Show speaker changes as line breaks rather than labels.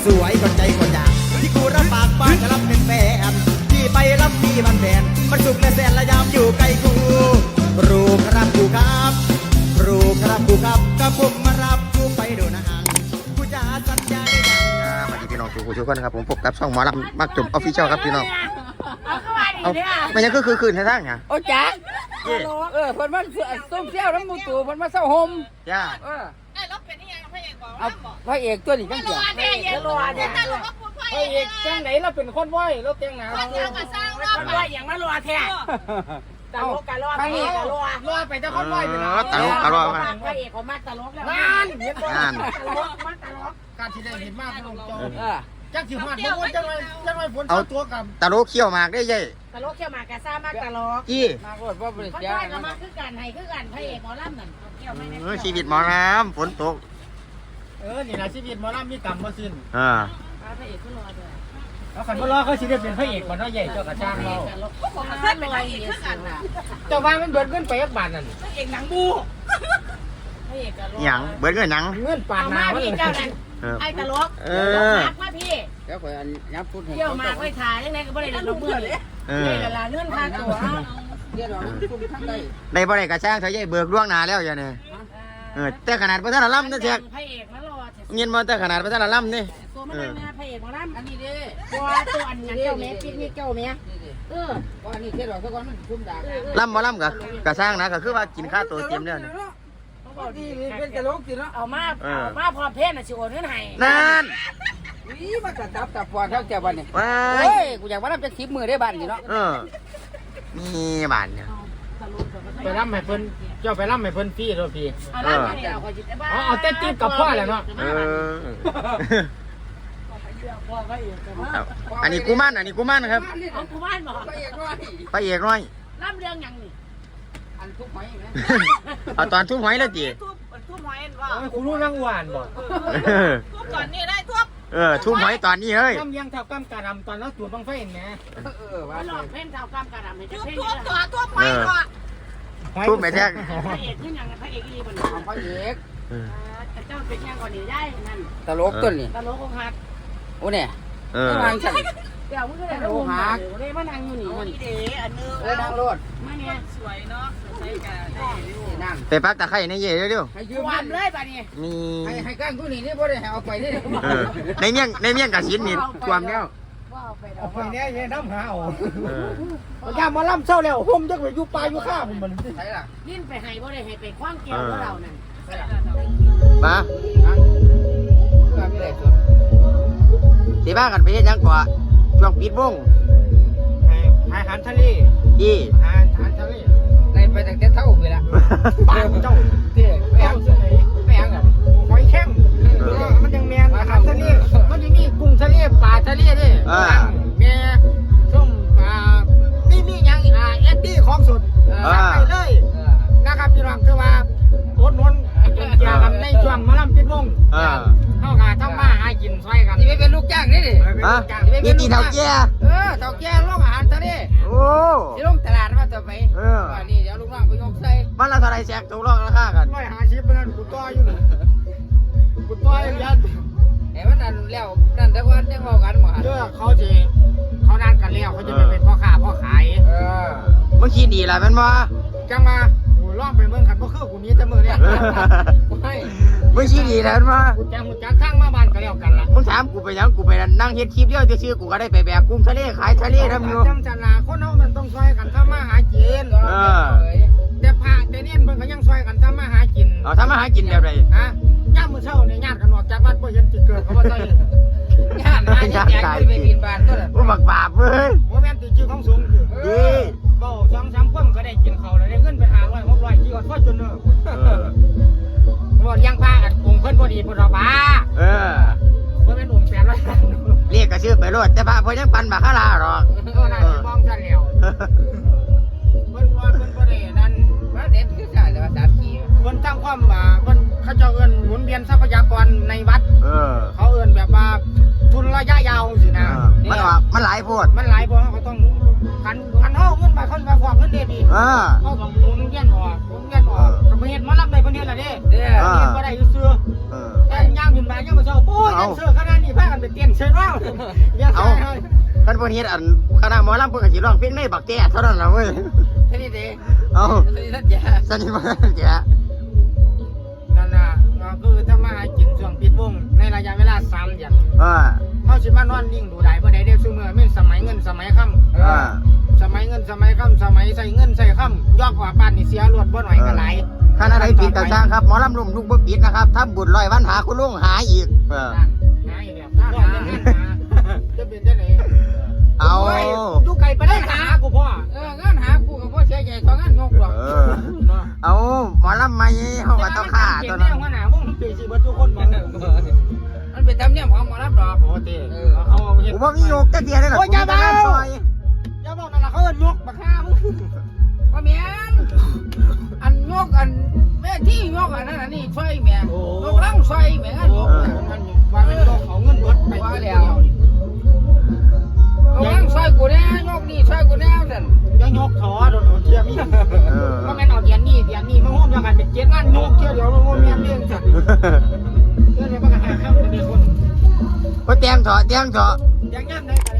สวยคนใจคนอยากที่กูรับปากบ้านจะรับเป็นแฟนที่ไปรับมีบันแบนมันสุขและแสนละยามอยู่ใกล้กูรู้ครับกูครับรู้ครับกูครับก็ผมมารับกูไปดูหนังกูจะสัญญาได้ยังสวัสดีพี่น้องทุกคนครับผมพบกับช่องหมอลำมักจุ่มออฟฟิเชียลครับพี่น้องเอาไม่ยังคือคืนให้ทั้งไง
โอ้จ๊ะเพิ่นมาส้มเที่ยวน้ำมูตู่เพิ่นมาเศร้าห่ม
ย่า
ไอ้รถเป็นยังไงพระเอกบอก
เอาพระเอกตัวนี้จังเสีย
พระเอกรอเนี่ยพระ
พระเอกจังไหนเราเป็นคนว้อยเราแต่งหน้า
สร้างรอบว่าอย่างนั้นรอแท้ตลกกันรอพระเอกกันรอไปแต่คนว้อยไปนะ
ตลกตลกมา
พระเอกเขามาตลกแล้ว
นั่นเห็นบ่
นั่น
ตลกมาตลก
การที่ได้เห็นมากพระองค์เจ้าจักสิฮอดบ่ว่าจังไว้ฝนตัวกับ
ตลกเขี้ยวหมากได้ยัย
ตลกเขี่ยวมากระซ่ามากตลก
จี้
มาก็บ่บริ
คน
จา
ว้
ค
อยก็มาคือกันให้คือกันพระเอกหมอลำนั่นเกี่ยวไม่ได้
ชีวิตหมอน้ำฝนตก
นี่ล่ะชีวิตหมอลำมีกรรมบ่สิ้น
พระเอกก็รอด้วย
แล้วคันบ่รอเขาสิได้เป็นพระเอกบ่เนาะใหญ่เจ้ากระช่างเรา
ตลกผมมาขึ้นลอยเยอะสุดอ่ะ
เจ้าว่ามันเบิดเงินไปยักบาทนั่น
พระเอกหนังบูพระเอกก็รอ
หยังเบิดเงินหยัง
เงินปา
เอา
ดห
มา
น้ามัน
พี่เจ้านั่นไอ้ตลกมาพี่
แล้วข่อยอันยับพุทธให้
เที่ยวมาไว้ถ่ายยังไงก็ไม่ได้ลงมือเลยนี่แหละเงื่อนค่าตัว
เดี๋ยวเราคุมทั้งได้
ในบ่ได้กระช่างเธอยัยเบิกล่วงหน้าแล้วอย่าเนี่ยแต่ขนาดพระท่านล่ำนั่นเถอะ
พระเอกมารอ
เงินมาแต่ขนาดพระท่านล่ำนี่
ตัวมันนะพระเอกมาล่ำ
อันนี้เด้
ตัวตัวอันนั้นเจ้าแม่ปิ๊กนี่เจ้าแม่
ว่าอันนี้แค่ดอกสักวันมันคุมด่า
ล่ำมาล่ำกับกระช่างนะก็คือว่ากินข้าวตัวเต็มแล้ว
นี่เป็นกระโหลกสิเนาะ
เอามาพอเพศน่ะสิโอนเงินให้
นั่น
นี่มันกระตับตับปอนเท่าแก่วันนี้
ว้า
เฮ้
ย
ยกูอยากว่าน้ำจะคลิปมือได้บ้านสิเนาะ
นี่บ้านเนี่ย
ไปร่ำให้เพิ่นเจ้าไปร่ำให้เพิ่นฟรีโทษพี่
เอาล่ำให้เราคอยจิตได้บ้า
เอาเต้นติ๊บกับพ่อแหละเนาะ
อันนี้กูมั่นครับ
เอากูบ้านบอก
พระเอกน้อย
ล่ำเรื่องยังนี่
อันทุกหอยไหม
เอาตอนทุ่มหอยแล้วจี
ทุบหอยว่า
คุณรู้นั่งหวานบ่
ทุบก่อนนี่ได้ทุบ
ทุ่มหอยตอนนี้เฮ้ย
กำยังเท่ากำกระดำตอนนั้นตัวบังไฟเห็นไหมว่า
หลอกเพ่นเท่ากำกระดำให้จะเพ่นทุบหอยก่อน
ทุ่มไปแท้ง
พระเอกขึ้นยังพระเอกอีบน
ของพ่อเอก
เจ้าเป็นยังก่อนนี่ได้นั่น
ตลกต้นนี่
ตลกของฮัก
โอ้เนี่ย
ว
างฉัน
เดี๋ยวมึงก็ได้รู้ฮักเลยมานั่งอยู่นี่มันเด๋อันนึง
เลยนั่งรถ
มาเนี่ยสวยเนาะใช้กันได้
นั่ง
ไปปักตะไคร้ในเย่เร็ว
ให้ยื
ค
ม
วามเลยป่ะนี่
มี
ให้ก้างกูนี่นี่บ่ได้ให้เอาไปนี่
ในเมี่ยงกระชินนี่ความแล้ว
เอาไปเนี่ยยังน้ำหาเอายามมาล่ำเศร้าแล้วห่มจักไปอยู่ปลายอยู่ข้าผมมันใช่ล่ะ
ลิ้นไปให้บ่ได้ให้ไปคว้างแก้วของเรานั่น
มา
เพื่อไม่ได้สุด
สีบ้ากันไปเฮ็ดยังกว่าช่วงปิดวง
อาหารทะเล
ที่
อาหารทะเลในไปตั้งแต่เท่าไปละปากเจ้าเที่ยแป้งแป้งอ่ะหอยแข้งมันยังแมนอาหารทะเลมันยังมีกุ้งทะเลปลาทะเลด้วยแม่ส้มปลานี่ยังเอ็ดดี้ของสดไปเลยนะครับพี่น้องคือว่าโอนนนเกี่ยวกับในช่วงมาล่ำปิดวงเข้าหาทำมาหากินซอยกันนี่ไม่เป็นลูกจ้างนี่ดิ
มีตีเท่าแก่
เท่าแก่ลงอาหารทะเล
โอ้
ที่ลงตลาดมาต่อไปว่านี่เดี๋ยวลูกน้องไปยกใส่
มันละเท่าไรแซกตกลงราคากัน
150เป็นกูต่ออยู่นี่กูต่อยังยันเอ้มันนั่นแล้วนั่นแต่ว่ายังเอากันหมดเขาจะเขานั่นกันแล้วเขาจะไปเป็นพ่อค้าพ่อขาย
มึงคิดดีละแมันบ่
จังมากูล่องไปเมืองขันพ่อคือกูนี้แต่มือเนี่ยไม่
มึงคิดดีละแมันบ่
กูจังทางมาบ้านก็แล้วกันล่ะ
มึงถามกูไปยังกูไปนั่งเฮ็ดคลิปเดียวซื่อๆกูก็ได้ไปแบกกุ้งทะเลขายทะเลทำอยู่
จำจันลาคนเฮามันต้องซอยกันทำมาหากินแต่พระแต่เนี่ยมันก็ยังซอยกันทำมาหากิน
เอาทำมาหากินแบบใด
ฮะย่ามมื้อเช้าเนี่ยญาติกันออกจากวัดบ่เห็นสิเกิดเขาว่าใส่ญาติมาแจกไปกินบ้านตัวนั้น
กูบักบาปเว้ย
บ่แม่นติชื่อของสูงคือเว้า2-3คนก็ได้กินข้าวแล้วได้เงินเป็น500 600กี่อดพอจนเด้อบ่เลี้ยงพระกันองค์เพิ่นบ่ดีพุ่นดอกว่าบ่แม่นองค์800
เรียกกระชื่อไปโลดแต่พระเพิ่นยังปั่นบาคาราหรอก
น่าสิมองซั่นแล้วเพิ่นบ่ได้นั่นว่าเด็ดคือใช่แต่ว่า3ปีเพิ่นทำความเพิ่นเขาเจ้าเอิ้นหมุนเวียนทรัพยากรในวัดเขาเอิ้นแบบว่าทุนระยะยาวสินะ
มันหลายโพด
มันหลายพอเขาต้องคันเฮาเงินไปคนไปฟอกเงินเด็ดดีเขาต้องหมุนเวียนออกก็บ่เฮ็ดมารับได้เพิ่นเฮ็ดล่ะเด้เฮ็ดบ่ได้ซื่อแต่ย่างขึ้นไปยังมาเช้าโอ้ยยังเสือขนาดนี้พากันไปเต้นเชิญว่าอย่า
เอา
ใส่
คันเพิ่นเฮ็ดอันคณะหมอลำเพิ่นก็สิร้องเพลงในบักแก่เท่านั้นล่ะเว้ย
แค่นี้เด้
เอา
แค่นี้ท่านแย่
สนิทมากแก่
นั่นน่ะก็คือถ้ามากินช่วงปิดวงในระยะเวลา3 เดือน เขาสิมานอนนิ่งดูได้บ่ได้เด้ซุมื้อแม่นสมัยเงินสมัยค่ำสมัยเงินสมัยค่ำสมัยใส่เงินใส่ค่ำยอกว่าบ้านนี่เสียรวดบ่หน่อยก็หลาย
คณะใดปิดก็สร้างครับหมอลำลุมลูกบ่ปิดนะครับทำบุญ100 วันหาคุณลุงหาอีก
หาอีกแล้วรอดยังหาจะเป็นจังได๋
เอา
อยู่ไกลไปได้หากูพ่อ
งานหากูกับพ่อเสียใหญ่ทองานงกหรอก
เอาหมอลำใหม่เฮาก็ต้องฆ่า
ตั
ตัว ว
นั้
นั้น น
หัวหน้าวงเปสิเบิดทุกคนบ่
มันเป็นธรรมเนียมของหมอรับดอก
โอ้เต้เอาเฮ็ด
กูบ่มีโยกแต่เดียวเลยล่ะ
โอ้ยอย่า
กูจะ
เบา
ซอย
อย่าบอกนั่นล่ะเขาเอิ้นยกบักฮามึง
ว่าแม่นอันงกอันแม่ที่งกอันนั้นอันนี้ช่วยแม่งกลังช่วยแม่ง
โอ้มันว่าเป็นยกเอาเงินเบิดไป
ว่าแล้วกลังช่วยกูแน่งกนี่ช่วยกูแน่สั่น
ยังยกถอโดนเทียมีก็แม่นเอาเดือนนี้มาร่วมกันเป็น7งานยกเที่ยวเดียวบ่แม่นเรื่องจัดเรื่องนี้มันก็หาข้ามเป็นคน
ก็แตงเถาะ
ยังย่ำได้ก็